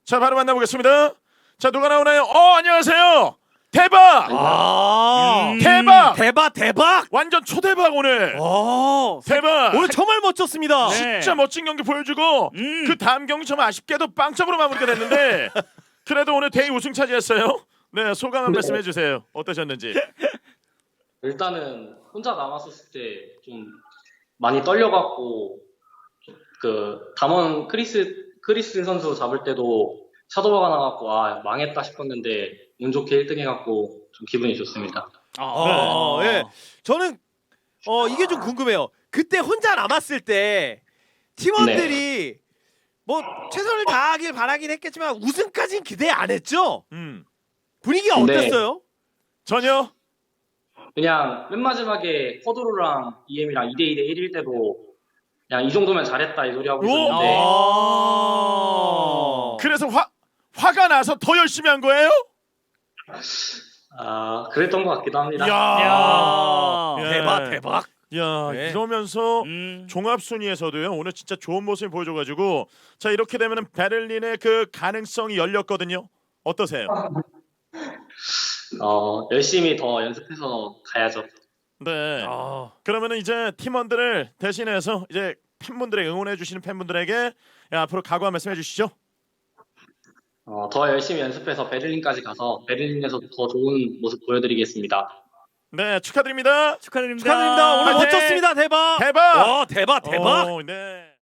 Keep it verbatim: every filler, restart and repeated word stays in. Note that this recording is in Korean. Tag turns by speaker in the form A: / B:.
A: 자, 바로 만나보겠습니다. 자, 누가 나오나요? 어, 안녕하세요. 대박!
B: 아,
A: 음. 대박!
B: 대박 대박.
A: 완전 초대박 오늘.
B: 어,
A: 대박!
B: 오늘 정말 멋졌습니다.
C: 네.
A: 진짜 멋진 경기 보여주고
C: 음.
A: 그 다음 경기 좀 아쉽게도 빵점으로 마무리가 됐는데 그래도 오늘 대회 우승 차지했어요. 네, 소감 한
D: 네.
A: 말씀 해주세요. 어떠셨는지.
D: 일단은 혼자 남았었을 때 좀 많이 떨려갖고 그 담원 크리스 크리스 선수 잡을 때도 샤도바가 나갖고 아 망했다 싶었는데 운 좋게 일 등 해갖고 좀 기분이 좋습니다.
B: 어,
A: 네.
B: 예. 저는 어 이게 좀 궁금해요. 그때 혼자 남았을 때 팀원들이 뭐 최선을 다하길 바라긴 했겠지만 우승까지는 기대 안 했죠?
A: 음,
B: 분위기가
D: 네.
B: 어땠어요?
A: 전혀.
D: 그냥 맨 마지막에 커드로랑 이엠이랑 이 대 이 대 일일 때도 그냥 이 정도면 잘했다 이 소리 하고
A: 오!
D: 있었는데
B: 아.
A: 그래서 화 화가 나서 더 열심히 한 거예요?
D: 아 그랬던 것 같기도 합니다.
A: 야, 예.
B: 대박 대박.
A: 야,
B: 네.
A: 이러면서
C: 음.
A: 종합 순위에서도요. 오늘 진짜 좋은 모습을 보여줘가지고 자 이렇게 되면은 베를린의 그 가능성이 열렸거든요. 어떠세요?
D: 어 열심히 더 연습해서 가야죠.
A: 네.
B: 아.
A: 그러면은 이제 팀원들을 대신해서 이제 팬분들의 응원해 주시는 팬분들에게 야, 앞으로 각오 한 말씀 해주시죠.
D: 어, 더 열심히 연습해서 베를린까지 가서 베를린에서 더 좋은 모습 보여드리겠습니다.
A: 네, 축하드립니다.
C: 축하드립니다.
B: 축하드립니다. 오늘
A: 화이팅!
B: 멋졌습니다. 대박.
A: 대박.
B: 어, 대박 대박.
A: 오, 네.